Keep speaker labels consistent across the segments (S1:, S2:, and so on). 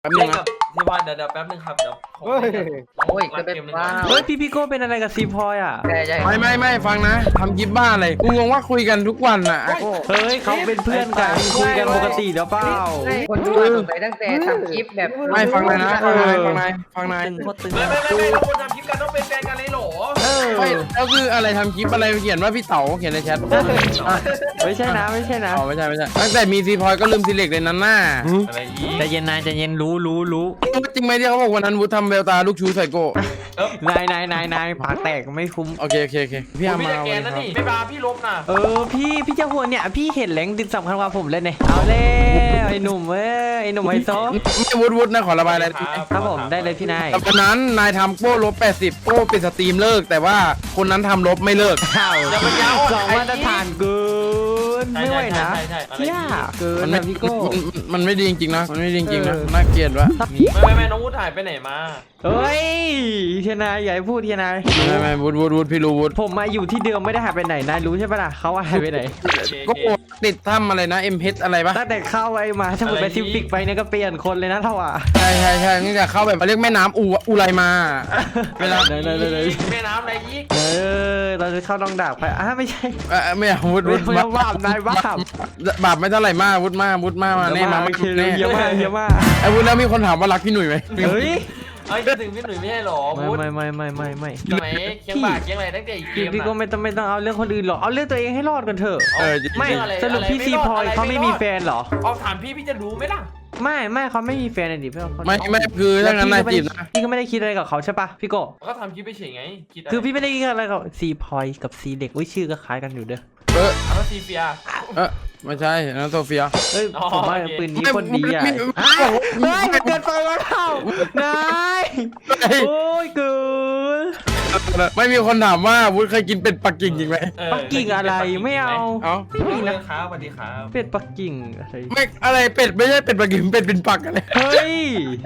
S1: แป๊บนึ
S2: เล่
S1: ง
S2: น
S1: นะ
S2: กับพี่บอลเดี๋ยวแป๊บนึงครับเดี๋ยวผม
S1: เฮ้ย
S2: โอ้ยก็เป็นว้า
S3: เฮ้ยพี่โก้เป็นอะไรกับซีพอยอ่ะ
S2: ใช่
S1: ไม่ฟังนะทำคลิปบ้าอะไรกูงงว่าคุยกันทุกวันอ่ะโก้
S3: เฮ้ยเขาเป็นเพื่อนกันคุยกันปกติเดี๋ยวเปล่า
S4: คนดูสงสัยตั้งแต่ทำคลิปแบบ
S1: ไม่ฟังนายนะฟังนาย
S3: ตึงโคตรตึง
S2: ไม่เราควรทำคลิปกันต้องเป็นแฟนกันเลยเหรอ
S1: ไม่แล้วคืออะไรทำคลิปอะไรเขียนว่าพี่เต๋าเขียนในแชท
S3: ไม่ใช่นะไม่ใช่นะ
S1: อ๋อไม่ใช่ตั้งแต่มีซีพอยก็ลืมซีเล็กเลยนั้นน่ะ
S2: อะไรอีก
S3: ใจเย็นนายใจเย็นรู้
S1: จริงไหมที่เขาบอกวันนั้นวุฒิทำเบลตาลูกชูใส่โก้
S3: นายปากแตกไม่คุ้ม
S1: โอเคพี่อา
S2: พี่
S1: มา
S2: จะแกนนะนี่ไม่มาพี่ลบนะ
S3: พี่เจ้าหัวเนี่ยพี่เห็นแหล่งดินสำคัญกว่าผมเลยเนี่ยเอาเลยไอ้หนุ่มเว้ยไอ้หนุ่มไฮโซ
S1: ไม่วุฒินะขอระบายอะไร
S3: ครับผมได้เลยพี่นาย
S1: แต่วันนั้นนายทำโก้ลบ80โก้ปิดสตรีมเลิกแต่ว่าคนนั้นทำลบไม่เลิก
S3: ข้าวสองมาตรฐานเกินไม่ไหวนะเที่ยเกินนะพี่โก้
S1: มันไม่ดีจริงๆนะมันไม่ดีจริงๆนะน่าเกลียดวะ
S2: ไม่น้องวุฒิหายไปไหนมา
S3: เฮ้ยเทียนายอย่าให้พูดเทียนาย
S1: ไม่วุฒิพี่รู้วุฒิ
S3: ผมมาอยู่ที่เดิมไม่ได้หายไปไหนนายรู้ใช่ปะล่ะเขาหายไปไหน
S1: ก็ติดถ้ำอะไรนะเอ็มเพชอะไรปะ
S3: ตั้งแต่เข้าไอ้มาถ้าหมดไปซิฟิกไปเนี่ยก็เปลี่ยนคนเลยนะเท่าอ่ะ
S1: ใช่นี่จะเข้าแบบเรียกแม่น้ำอูไรมาเวลา
S3: ไหน
S2: แม่น้ำอะไรอีก
S3: เราจะเข้าลองดาบไปไม่ใช่
S1: ไม่เอาวุฒิ
S3: ไม่บาปนายบาป
S1: บาปไม่เท่าไหร่มากวุฒิมาแน่มา
S3: โอเคเลยเยอะมาก
S1: ไอ้วุฒิแล้วมีคนถามว่ารักพี่หนุ่ยไหม
S3: เฮ้ย
S2: ไอ้ถึงพี่หนุ่ยไม่ใช่หรอ
S3: ไม่
S2: วุฒิ
S3: ไม่
S2: สมัยเคียงบ่าเคียงอะไรตั้งแต่อีกเกม
S3: พี่ก็ไม่ต้องเอาเรื่องคนอื่นหรอกเอาเรื่องตัวเองให้รอดกันเถอะ ไม่สรุปพี่ซีพอยเขาไม่มีแฟนหรอ
S2: เอาถามพี่จะรู้ไหมล่ะ
S3: ไม่เขาไม่มีแฟนเลยดิพี่
S1: ไม่คือถ้างั้นนายจีบนะ
S3: พี่ก็ไม่ได้คิดอะไรกับเขาใช่ปะพี่โก
S2: ก็ทำคลิปไปเฉยไงคิด
S3: คือพี่ไม่ได้คิดอะไรกับซีพอยกับซีเด็กชื่อก็คล้ายกันอยู่เด้อ
S2: แล้วซีเฟีย
S1: ไม่ใช่นะโซเฟีย
S3: เฮ้ยผมว่าปืนนี้คนดีอ่ะเฮ้ยเกินไปแล้วเท่านายโอ้ยเกิน
S1: ไม่มีคนถามว่าวุฒิเคยกินเป็ดปักกิ่งจริงไหม
S3: ปักกิ่งอะไรไม่เอา
S2: ไม่มีนะครับสวัสดีครับ
S3: เป็ดปักกิ่งอะไร
S1: ไม่อะไรเป็ดไม่ใช่เป็ดปักกิ่งเป็ดเป็นปักอะไร
S3: เฮ้ย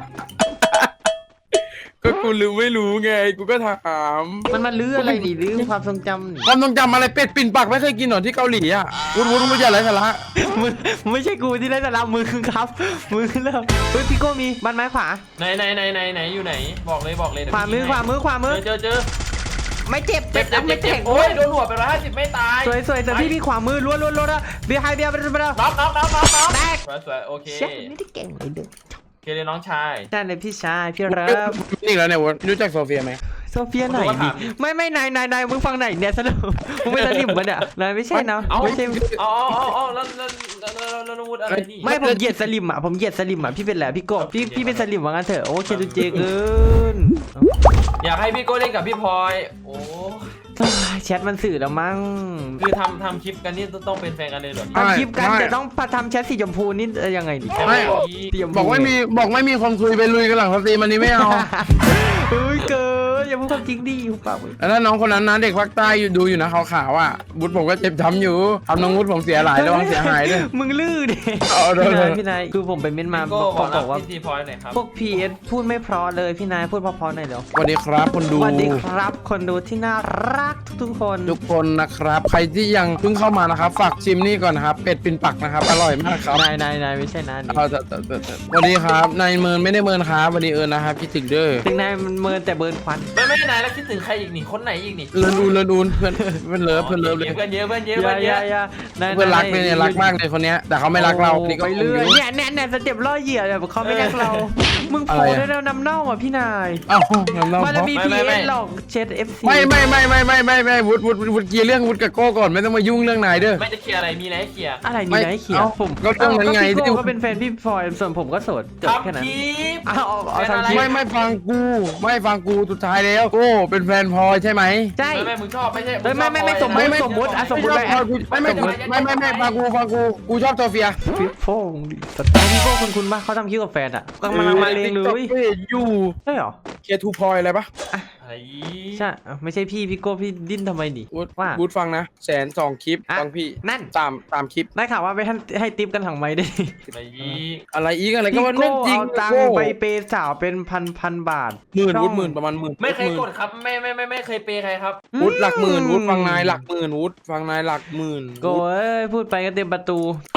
S1: ก็กูไม่รู้ไงกูก็ถาม
S3: มันมาลื้ออะไรดิลื้อความทรงจำนี่
S1: ความทรงจำอะไรเป็ดปิ่นปักไม่เคยกินหรอที่เกาหลีอ่ะวุฒิอย่าไรสาระ
S3: มึงไม่ใช่กูที่ได้สาระมึงครับมึงเริ่มเฮ้ยพี่โก้มีบันไม้ขวา
S2: ไหนอยู่ไหนบอกเลย
S3: ขวามือ
S2: เจอ
S3: ไม่เจ็บ
S2: เจ็บ
S3: ไม่แข็ง
S2: โอ้ยโดนหัวไป150ไม่ตาย
S3: สวยแต่พี่ขวามือล้วนเบียร์ไฮเบียร์ไปแล้ว
S2: น็อก
S3: แตก
S2: สวยโอเค
S3: เช็คไม่ได้เก่งเลยเด้อ
S2: โอเคเลยน้องชาย
S3: ใช่เลยพี่ชายพี่รับ
S1: นี่แล้วเนี่ยวุฒิรู้จักโซเฟียไหม
S3: โซเฟียไหนดิไม่นายมึงฟังไหนเนี่ยสนุกมึงไม่สนิมมันอ่ะนายไม่ใช่เนาะไม่ใช่
S2: อ๋อแล้ววุฒิอะไรนี่
S3: ไม่ผมเหยียดสลิมอ่ะพี่เป็นแหละพี่โก้พี่เป็นสลิมว่างั้นเถอะโอเคดูเจเกิน
S2: อยากให้พี่โก้เล่นกับพี่พลอยโอ้
S3: แชทมันสื่อแล้วมั้ง
S2: คือทำคลิปกันนี่ต้องเป็นแฟนกันเลยเหรอ
S3: ทำคลิปกันแต่ต้องทำแชทสีชมพูนี่ยังไงดิ
S1: ไม่บอกไม่มีคนคุยไปลุยกันหลังสตรีมอันนี้ไม่เอา
S3: เฮ้ยเกินอย่าพูดความจริงดิหุบปากเลย
S1: แล้วน้องคนนั้นนะเด็กภาคใต้ดูอยู่นะขาวๆอ่ะวุฒิผมก็เจ็บช้ำอยู่ทำน้องวุฒิผมเสียหลายระวังเสียหายด้วย
S3: มึงลื้อดิ พี่นายคือผมไปเม้นมา
S2: ก็
S3: บอกว่า
S2: พี่พลอยหน่อยครับ
S3: พวก PS พูดไม่เพราะเลยพี่นายพูดเพราะๆหน่อยเดี๋ยว
S1: สวัสดีครับคนดู
S3: สวัสดีครับคนดูที่น่ารักทุกคน
S1: ทุกคนนะครับใครที่ยังเพิ่งเข้ามานะครับฝากชิมนี่ก่อนนะครับเป็ดปินปักนะครับอร่อยมากครับ
S3: นายไม่ใช่นะ
S1: เอาแต่สวัสดีครับนายเมินไม่ได้เมินครับวันนี้นะครับคิดถึงเด้อ
S3: ถึงนายมันเมินแต่เบิร์นควัน
S2: ไม่นายแล้วคิดถึงใครอีกนี่คนไหนอีกนี่
S1: เลินอูนเพื่อนเลิฟเลย
S2: เพื่อนเยอะ
S1: เพื่อนรักเนี่ยรักมากเลยคนเนี้ยแต่เขาไม่รักเรานี่ก็
S3: ไปเรื่อยเนี่ยสเต็ปล่อเหยื่อแบบเขาไม่รักเรามึงโผล่ได้แล้วนำเน่าอ่ะพี่นาย
S1: อ้าวน้ำเน่า
S3: มันจะมี PS หลอกเช็ด FC
S1: ไม่วุฒิเกียร์เรื่องวุฒิกับโก้ก่อนไม่ต้องมายุ่งเรื่องนายเด้อ
S2: ไม่จะเคลียร์อะไรมีอะไรให้เคลียร์
S3: อะไรนี่นะไอ้เขียวผม
S1: ก็ต้องนั้นไง
S3: พี่โก้ก็เป็นแฟนพี่ฟอยส่วนผมก็โสดจบแค่
S2: ทำ
S3: นั้น
S2: คลิป
S3: เอาทำคลิป
S1: ไม่ฟังกูสุดท้ายแล้วโก้เป็นแฟนพลอยใช่ไหม
S3: ใช่
S2: ไม่มึงชอบไม่ใช่
S3: ไม่สมมติสมมติไป
S1: ฟังกูชอบโซเฟีย
S3: ฟิปโฟงดิสไตล์พี่โก้คุณป่ะเขาทำคลิปกับแฟนอ่ะกำลังมาเรียงเลย
S1: อยู่
S3: ใช่หรอ
S1: เคทูพลอยอะไรปะ
S2: ไอ้
S3: ใช่ไม่ใช่พี่โก้พี่ดิ้นทำไมดิว่า
S1: บูธฟังนะ102คลิปฟังพี่
S3: นั่น
S1: ตามคลิป
S3: ได้ข่าวว่าไปให้ติปกันถังไม้ได้
S2: ไอ้ยี
S1: อะไรอีกอะไรก็
S3: พี่
S1: ว่า
S3: โก้
S1: เรื่องจริง
S3: เอาตังค์ไปเปย์สาวเป็นพันบาท
S1: หมื่นประมาณหมื่น
S2: ไม่เคยกดครับไม่เคยเปย์ใครครับ
S1: วุฒิหลักหมื่นวุฒิฟังนายหลักหมื่นวุฒิฟังนายหลักหมื่น
S3: โก้เอ้ยพูดไปก็เต็มประตู
S2: ฮะ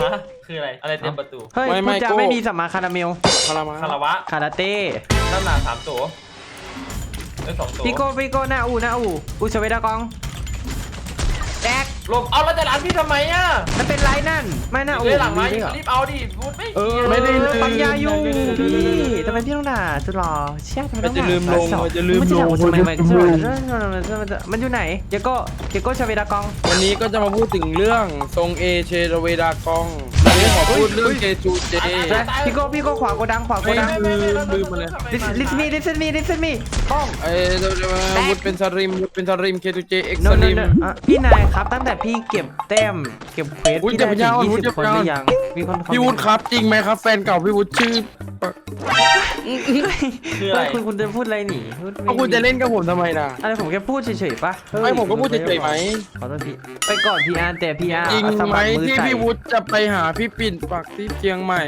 S2: คืออะไรอะไรเต็มประตู
S3: เฮ้ย
S1: ไม่
S3: พูดจะ
S1: โก้
S3: ไม่มีสัมมาคาราเมล
S1: คารามา
S2: คาราวะ
S3: คาราเต้
S2: ด้านหน้า3 ตัว2 ตัว
S3: พี่โก้หน้าอูชเวดากองแดก
S2: ลมเอาแล้วจะหลานพี่ทำไมอ่ะ
S3: มันเป็นไรนั่นไม่น่าอู
S2: เลยหลังไหม
S3: ดีด้วยเหรอ
S2: รีบเอาดิพูดไม่
S1: ไม่ได้เลย
S3: ปั๊มยาอยู่พี่ทำไมพี่ต้องด่าสุดหล่อเชี่ยทำไมต้องด่า
S1: มันจะลืมลง
S3: สาว
S1: มันจะลืม
S3: มันจะด่า
S1: ลง
S3: ทำไม
S1: มันจะลืม
S3: มันอยู่ไหนเดี๋ยวก็ชเวดากอง
S1: วันนี้ก็จะมาพูดถึงเรื่องทรงเอเชเวดากองวันนี้ขอพูดเรื่องเจจูเจ
S3: พี่โก้ขวาโกดัง
S1: ลืมมาเลย
S3: listen me ป้อง
S1: ไอ้วุฒเป็นสริมเคจูเจเอ็ก
S3: no
S1: ซ์
S3: no
S1: ริม
S3: no พี่นายครับตั้งแต่พี่เก็บแต้มเก็บเควส
S1: อุ๊ย
S3: พี่ได้
S1: อย่า
S3: ถึง
S1: ไป
S3: 20 คนหรือยังมีคน
S1: พี่วุฒิครับจริงไหมครับแฟนเก่าพี่วุฒิชื่อ
S2: คืออะไร
S3: คุณจะพูดอะไรหนิพูด
S1: เอาคุณจะเล่นกับผมทำไมนะ
S3: อะไรผมแค่พูดเฉยๆปะ
S1: ไม่ผมก็พูดเฉยๆไหม
S3: ขอโทษพี่ไปก่อนพี่อาร์แต่พี่อาร์
S1: จริง
S3: เอาส
S1: ไหม
S3: มัครมือ
S1: ที่
S3: ใส่
S1: พี่วุฒิจะไปหาพี่ปิ่นปักที่เชียงใหม่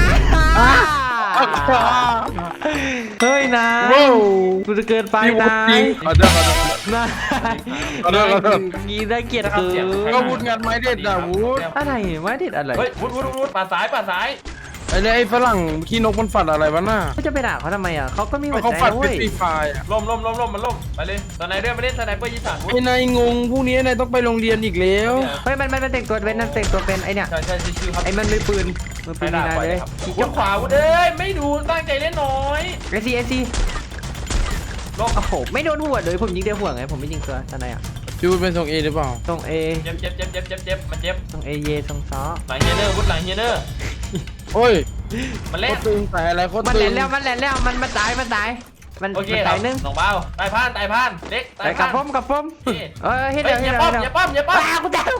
S3: เฮ้ยนะ
S1: ว้าว
S3: กูจะเกินไป
S1: พี่วุ
S3: นะ
S1: ฒิจริงขอโทษ
S3: นะ
S1: ขอโทษ
S3: งี้ได้เกียรติเกิน
S1: ก็วุฒิงานไม้เด็ดอะวุฒิ
S3: อะไรไม่เด็ดอะไร
S2: เฮ้ยวุฒิป่าซ้าย
S1: ไอ้เนี่ยไอ้ฝรั่งขี้นกมันฝัดอะไรวะน่ะ
S3: เขาจะไปด่าเขาทำไมอ่ะเขาก็มีหัว
S1: เขา
S3: ใจ
S1: ฝัด
S3: นะ
S1: เป็
S3: เว้
S1: น
S3: ย
S1: ฟรีไฟร์อะ
S2: ล่มมันล่มไปเลยตอนไหนเรื่องมาเล่นสไนเปอร์ยีสานวุฒิ
S1: ไอ้นายงงพรุ่งนี้นายต้องไปโรงเรียนอีกแล้ว
S3: เฮ้ยมันแต่งตัวเป็นนั่นแต่งตัวเป็นไอเนี่ย
S2: ใช่ชิวๆครับ
S3: ไอมันมือปืนมี
S2: ไม่ได้
S3: นาย
S2: ปล่อย
S3: เล
S2: เลย ยครับวุฒิขวาวุฒิเอ้ยไม่ดูตั้งใจเล่นน้อย
S3: ไอซี
S2: ลบ
S3: โอ้โหไม่โดนหัวเลยผมยิงเดียวหัวไงผมไม่ยิงตัวตอนไหนอ่ะ
S1: พี่วุฒิเป็นทรงเอหรือเปล่า
S3: ตรงเอ
S2: เจ็บมันเจ็บ
S3: ตรงเอเยตรงซอ
S2: หลังเฮเนอร์วุฒิหลังเฮเนอร์
S1: โอ้ย
S2: มัน
S1: โค
S2: เล่น
S1: ตรตึงแต่อะไรโคตร
S3: มัน
S1: ตึ
S3: แหล
S1: ง
S3: นแล้วมันตายมัน
S2: โอเค
S3: ตายนึง
S2: น้องเบาตายพานเล็ก
S3: แต่กับผมเฮ็ด
S2: เฮ้
S3: เดี๋
S2: ย
S3: ยว
S2: อย่าป้อม
S3: กูตาย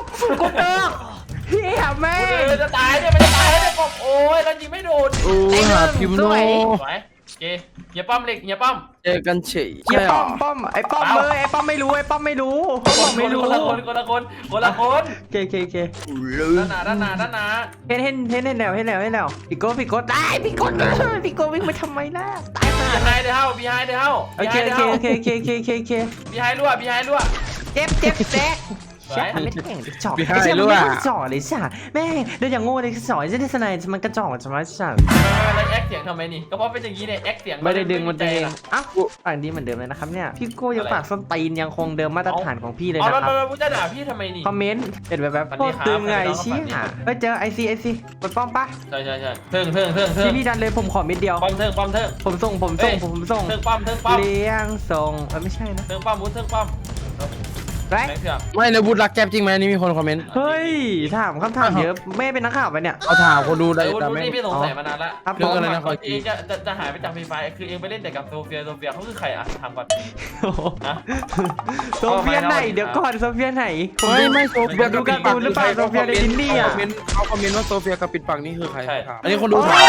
S3: พี่แม่
S2: จะตายเนี่ยมันจะตายแล้วเนี่ยป้อมโอ้ยเรายิงไม่โดน
S1: โอ้ยหาพิมพ์โน
S2: สวยเกอย่าป้อมเล็กอย่าป้อม
S1: เจอกันเฉย
S3: อย่า
S1: ใช่หรอ
S3: ป้อมไอ้ป้อมเลยไอ้ป้อมไม่รู้ไอ้ป้อมไม่รู้
S2: คนละคน
S3: เค
S2: ด้านหน้า
S3: เห็นแล้วพี่โก้ตายพี่โก้วิ่งไปทำไมล่ะตายมา
S2: บีไฮเดอร์เฮา
S3: โอเค
S2: บีไฮรั่ว
S3: เจ็บแตกใช่ไม่แข่งจ่อไอ้เชี่ยมันไม่จ่อเลยจ้ะแม่เดี๋ยวอย่างโง่เลยจ่อจะได้สนายมันกระจ่อใช่ไหมจ้ะ
S2: แล้วแอคเสียงทำไมนี่ก็เพราะเป็นอย่างนี้เนี่ยแอคเสียง
S3: ไม่ได้ดึงมันเองอ้าวปากดีเหมือนเดิมเลยนะครับเนี่ยพี่โก้ยังปากส้นตีนยังคงเดิมมาตรฐานของพี่เลย
S2: อ๋อ
S3: นะครับ
S2: แล้วพูดจะด่าพี่ทำไมนี่
S3: คอมเมนต์เป็นแบบโคตรตึงไงเชี่ยไปเจอไอซีกดป้อมปะ
S2: ใช่เทิง
S3: พี่ดันเลยผมขอเม็ดเดียว
S2: ป้อมเทิง
S3: ผมส่ง
S2: เทิงป้อม
S3: เลี้ยงส่งไม่ใช่นะ
S2: เทิงป้อมมุ้งเทิงป้อม
S3: ไร
S2: แบงค์เถื่อน
S1: ไม่เลยวุฒิรักแก๊ปจริงไหมนี่มีคนคอมเมนต์
S3: เฮ้ยถามคำถามเยอะแม่เป็นนักข่าวไปเนี่ย
S1: เขาถามคนดูได้
S2: วุ้
S1: แต่ไม่
S2: นี่พี่สงสัยมานานแล้ว
S3: ครับ
S1: เรื่องอะไรนะ
S2: เองจะหายไปจากฟรีไฟคือเองไปเล่นแต่กับโซเฟียเขาคือใครอะถามก่อนนะ
S3: โซเฟียไหนเดี๋ยวก่อนโซเฟียไหน
S1: ไม่โซเฟีย
S3: ดูการ์ตูนหรือเปล่าโซเฟียในดินนี่อ่ะ
S1: เขาคอมเมนต์ว่าโซเฟียกับปิดปากนี่คือใครอันนี้คนดูถาม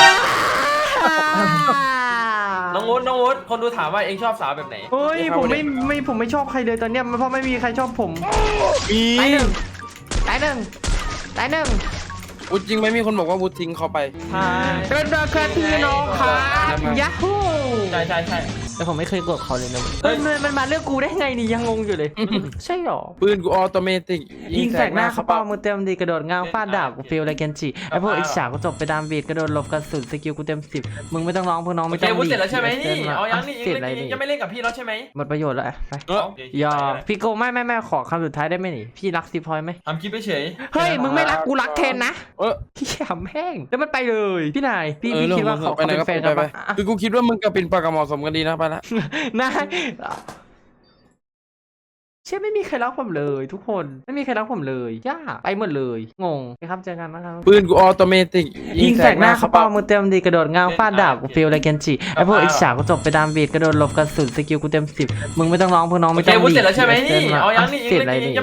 S2: น้องวุ้นคนดูถามว่าเองชอบสาวแบบไหน
S3: เฮ้ยผมไม่ชอบใครเลยตอนเนี้ยเพราะไม่มีใครชอบผม
S1: มี
S3: ตายหนึ่ง
S1: วุฒิจริงไหมมีคนบอกว่าวุฒิทิ้งเขาไป
S3: เป็นราคาที่น้องครับยัฮู
S2: ใช่
S3: แต่ผมไม่เคยกดเขาเลยนะเฮ้ยมันมาเลือกกูได้ไงนี่ยังงงอยู่เลยใช่หรอ
S1: ปืนกูออโตเมติก
S3: ยิงแสกหน้าเขาเป้ามือเต็มดีกระโดดง้างฟาดดาบกูฟิลอะไรกันจิไอพวกอิจฉากูจบไปตามบีดกระโดดหลบกระสุนสกิลกูเต็ม10มึงไม่ต้องร้องพวกน้อง
S2: โอ
S3: ไม่
S2: เค
S3: ต้อง
S2: วุ้นเสร็จแล้วใช่ไหมนี่เอายังนี่
S3: เสร็จอะไร
S2: เอง
S3: นี่
S2: ยังไม่เล่นกับพี่แล้วใช่ไหม
S3: หมดประโยชน์แล้วไปอย่าพี่โกไม่ขอคำสุดท้ายได้ไหมนี่พี่รัก10 พอยไหม
S2: ทำคลิปเฉย
S3: เฮ้ยมึงไม่รักกูรักแทนนะ
S1: เออ
S3: พี่ขำแห้งแล้วมันไปเลยพี่นายพี่
S1: เออ
S3: คิดว่าเขา
S1: ไปไหน
S3: เป็น
S1: ก็
S3: แฟน
S1: ไป
S3: กัน
S1: ไป
S3: ปะ
S1: คือกูคิดว่ามึงกับปิ่นปากกับเหมาะสมกันดีนะไปละ
S3: นายเชื่อไม่มีใครรักผมเลยทุกคนไม่มีใครรักผมเลยย่าไปหมดเลยงงไปครับเจอกันนะครับ
S1: ปืนกูออโตเมติก
S3: ยิงแสกหน้าเขาเป้ามือเต็มดีกระโดดง้างฟาดดาบกูฟิลอะไรกันจิไอพวกอิจฉากูจบไปตามบีดกระโดดหลบกระสุนสกิลกูเต็ม10มึงไม่ต้องร้องพวกน้อง
S2: โอ
S3: ไม่
S2: เค
S3: ต้อง
S2: วุ้นเสร็จแล้วใช่ไหมนี่เอายังนี่
S3: เสร็จอะไรนี่